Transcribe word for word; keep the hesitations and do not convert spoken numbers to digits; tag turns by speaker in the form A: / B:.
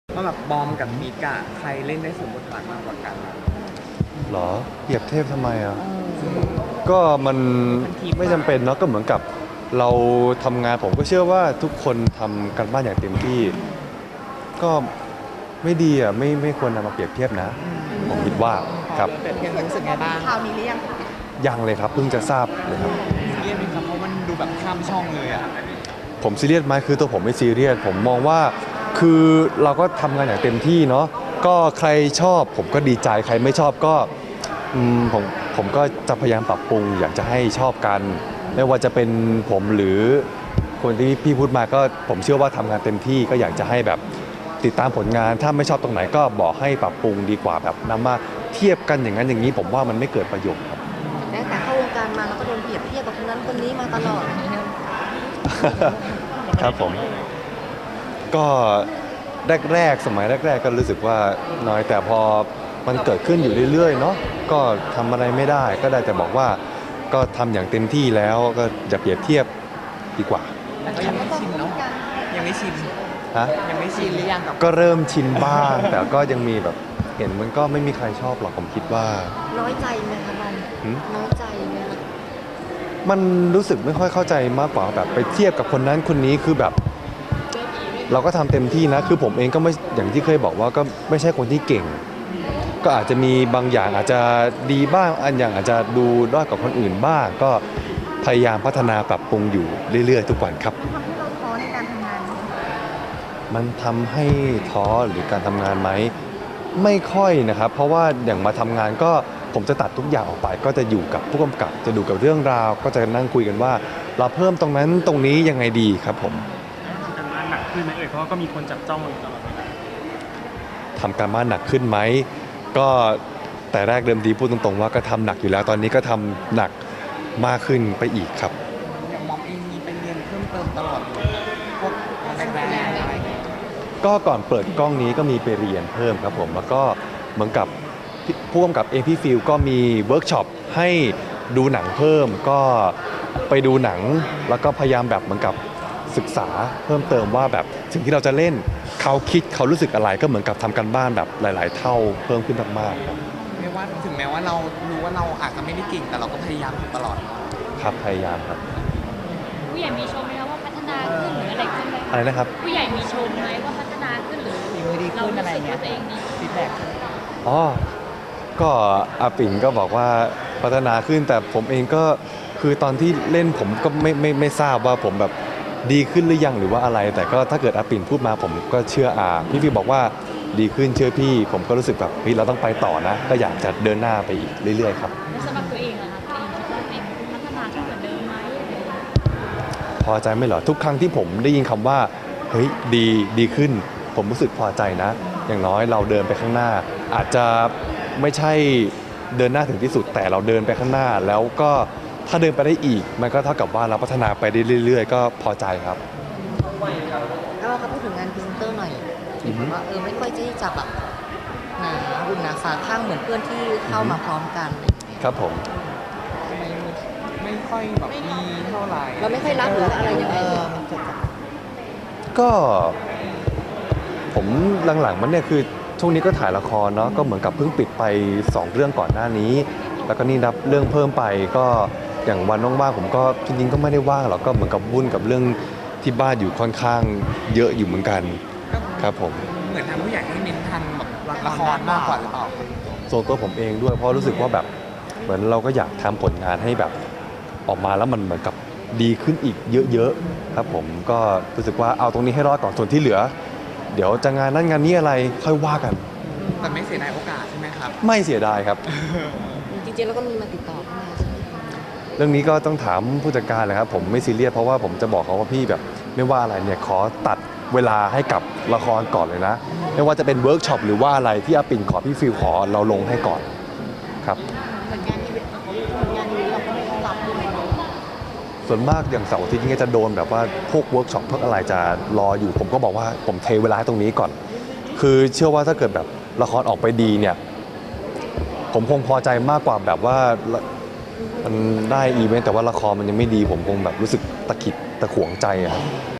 A: ว่าแบบบอมกับมิกอะใครเล่นได้สมบทบาทมากกว่ากัน
B: หรอเปรียบเทียบทำไมอ่ะก็มันไม่จำเป็นเนาะก็เหมือนกับเราทำงานผมก็เชื่อว่าทุกคนทำกันบ้านอย่างเต็มที่ก็ไม่ดีอ่ะไม่ไม่ควรนำมาเปรียบเทียบนะผมคิดว่าครับ
A: เปรียบเทียบรู้สึกไงบ้าง
C: ข่าวนี้หรือยังคะ
B: ยังเลยครับเพิ่งจะทราบเลยครับ
A: ซีเรียสไหมครับเพราะมันดูแบบข้ามช่องเลยอะ
B: ผมซีเรียสไหมคือตัวผมไม่ซีเรียสผมมองว่าคือเราก็ทำงานอย่างเต็มที่เนาะก็ใครชอบผมก็ดีใจใครไม่ชอบก็อืมผมผมก็จะพยายามปรับปรุงอยากจะให้ชอบกัน ไม่ว่าจะเป็นผมหรือคนที่พี่พูดมาก็ผมเชื่อว่าทำงานเต็มที่ก็อยากจะให้แบบติดตามผลงานถ้าไม่ชอบตรงไหนก็บอกให้ปรับปรุงดีกว่าแบบนำมาเทียบกันอย่างนั้นอย่างนี้ผมว่ามันไม่เกิดประโยชน์ครับ
C: ตั้งแต่เข้าวงการมาเราก็โดนเปรียบเทียบกับคนนั้นคนนี้มาตลอด
B: ครับผมก็แรกๆสมัยแรกๆก็รู้สึกว่าน้อยแต่พอมันเกิดขึ้นอยู่เรื่อยๆเนาะก็ทำอะไรไม่ได้ก็ได้แต่บอกว่าก็ทำอย่างเต็มที่แล้วก็อย่าเปรียบเทียบดีกว่า
A: แต่ก็ยังไม่ชินเนาะยังไม่ชิน
B: ฮะ
A: ยังไม่ชินหรือยังกับ
B: ก็เริ่มชินบ้าง แต่ก็ยังมีแบบเห็นมันก็ไม่มีใครชอบหรอกผมคิดว่า
C: น้อยใจไหมคะบอม
B: หืม
C: น้อยใจไหมคะ
B: มันรู้สึกไม่ค่อยเข้าใจมากกว่าแบบไปเทียบกับคนนั้นคนนี้คือแบบ เราก็ทำเต็มที่นะคือผมเองก็ไม่อย่างที่เคยบอกว่าก็ไม่ใช่คนที่เก่ง ก็อาจจะมีบางอย่างอาจจะดีบ้างอันอย่างอาจจะดูด้อยกว่าคนอื่นบ้าง ก็พยายามพัฒนาปรับปรุงอยู่เรื่อยๆ ทุกวันครับ
C: ทำให้เราท้อในการทำงานไหม
B: มันทำให้ท้อหรือการทำงานไหมไม่ค่อยนะครับ เพราะว่าอย่างมาทำงานก็ผมจะตัดทุกอย่างออกไป ก็จะอยู่กับผู้กำกับจะดูกับเรื่องราว ก็จะนั่งคุยกันว่า เราเพิ่มตรงนั้นตรงนี้ยังไงดีครับผม
D: ทำการบ้านหนักขึ้นไหมเอ่ยเพราะว่าก็มีคนจับจ้องเราอยู่ตลอดเวลา
B: ทำการบ้านหนักขึ้นไหมก็แต่แรกเดิมทีพูดตรงๆว่าก็ทำหนักอยู่แล้วตอนนี้ก็ทำหนักมากขึ้นไปอีกครับ
A: อย่างมอมเองมีไปเรียนเพิ่มเติมตลอดเลยพวกแรงแรงอะไรอย่างเงี้ย
B: ก็ก่อนเปิดกล้องนี้ก็มีไปเรียนเพิ่มครับผมแล้วก็เหมือนกับผู้กำกับเองพี่ฟิลก็มีเวิร์กช็อปให้ดูหนังเพิ่มก็ไปดูหนังแล้วก็พยายามแบบเหมือนกับศึกษาเพิ่มเติมว่าแบบสิ่งที่เราจะเล่นเขาคิดเขารู้สึกอะไรก็เหมือนกับทำกันบ้านแบบหลาย ๆ เท่าเพิ่มขึ้นมากๆครับ
A: ไม่ว่าถึงแม้ว่าเรารู้ว่าเราอาจจะไม่ได้เก่งแต่เราก็พยายามอยู่ตลอด
B: ครับพยายามครับ
E: ผู้ใหญ่มีชมไหมคะว่าพัฒนาขึ้นหรืออะไรขึ้นไหม
B: อะไรนะครับ
E: ผู้ใหญ่มีชมไหมว่าพัฒนาขึ้นหรือ
A: ฝีมือดีขึ้นอะไรเงี้ย
E: เราสึกว่าตัวเองดี
A: ฟีดแบ็ก
B: อ๋อ ก็อาปิ่นก็บอกว่าพัฒนาขึ้นแต่ผมเองก็คือตอนที่เล่นผมก็ไม่ไม่ไม่ทราบว่าผมแบบดีขึ้นหรือยังหรือว่าอะไร แต่ก็ถ้าเกิดอาปิ่นพูดมาผมก็เชื่ออาพี่ฟิวบอกว่าดีขึ้นเชื่อพี่ ผมก็รู้สึกแบบเฮ้ยเราต้องไปต่อนะ ก็อยากจะเดินหน้าไปอีกเรื่อยๆครับ
E: แล้วสำหรับตัวเองอะคะตัวเองคิดว่าตัวเองพัฒนาขึ้นเหมือนเดิมไหมอะไรอย่างเงี้ย
B: พอใจไหมเหรอทุกครั้งที่ผมได้ยินคำว่าเฮ้ยดีดีขึ้น ผมรู้สึกพอใจนะ อย่างน้อยเราเดินไปข้างหน้า อาจจะไม่ใช่เดินหน้าถึงที่สุดแต่เราเดินไปข้างหน้า แล้วก็ถ้าเดินไปได้อีก มันก็เท่ากับว่าเราพัฒนาไปได้เรื่อย ๆ ก็พอใจครับ
C: แล้วเราก็พูดถึงงานพรีเซนเตอร์หน่อย
B: อือฮึ
C: ว่าเออไม่ค่อยที่จะแบบหนาหุ่นหนาฝาข้างเหมือนเพื่อนที่เข้ามาพร้อมกันอะไรอย่างเงี้ย
B: ครับผม
A: ทำไมไม่ค่อยแบบมีเท่าไหร่
C: เราไม่ค่อยรับหรืออะไรยังไง
A: เออมันเกิดจาก
B: ก็ผมหลังๆมันเนี่ยคือช่วงนี้ก็ถ่ายละครเนาะก็เหมือนกับเพิ่งปิดไปสองเรื่องก่อนหน้านี้ แล้วก็นี่รับเรื่องเพิ่มไปก็อย่างวันว่างๆผมก็จริงๆก็ไม่ได้ว่างหรอกก็เหมือนกับวุ่นกับเรื่องที่บ้านอยู่ค่อนข้างเยอะอยู่เหมือนกันครับผม
A: เหมือนทางผู้ใหญ่ให้เน้นทางแบบละครมากกว่าหรือเปล่า
B: ส่วนตัวผมเองด้วยเพราะรู้สึกว่าแบบเหมือนเราก็อยากทำผลงานให้แบบออกมาแล้วมันเหมือนกับดีขึ้นอีกเยอะๆครับผมก็รู้สึกว่าเอาตรงนี้ให้รอดก่อนส่วนที่เหลือ เดี๋ยวจะงานนั้นงานนี้อะไรค่อยว่ากัน
A: แต่ไม่เสียดายโอกาสใช่ไหมครับ
B: ไม่เสียดายครับ
C: จริงๆแล้วก็มีมาติดต่อเข้ามาใช่ไหมคะ
B: เรื่องนี้ก็ต้องถามผู้จัดการเลยครับผมไม่ซีเรียสเพราะว่าผมจะบอกเขาว่าพี่แบบไม่ว่าอะไรเนี่ยขอตัดเวลาให้กับละครก่อนเลยนะ ไม่ว่าจะเป็นเวิร์กช็อปหรือว่าอะไรที่อาปิ่นขอพี่ฟิลขอเราลงให้ก่อนครับ
C: เหมือนงานอีเวนต์เหมือนงานนี้เราก็ไม่ต้องรับด้วย
B: ส่วนมากอย่างเสาร์อาทิตย์นี้จะโดนแบบว่าพวกเวิร์กช็อปพวกอะไรจะรออยู่ ผมก็บอกว่าผมเทเวลาให้ตรงนี้ก่อน คือเชื่อว่าถ้าเกิดแบบละครออกไปดีเนี่ย ผมคงพอใจมากกว่าแบบว่ามันได้อีเวนต์แต่ว่าละครมันยังไม่ดี ผมคงแบบรู้สึกตะขิดตะขวงใจอะครับ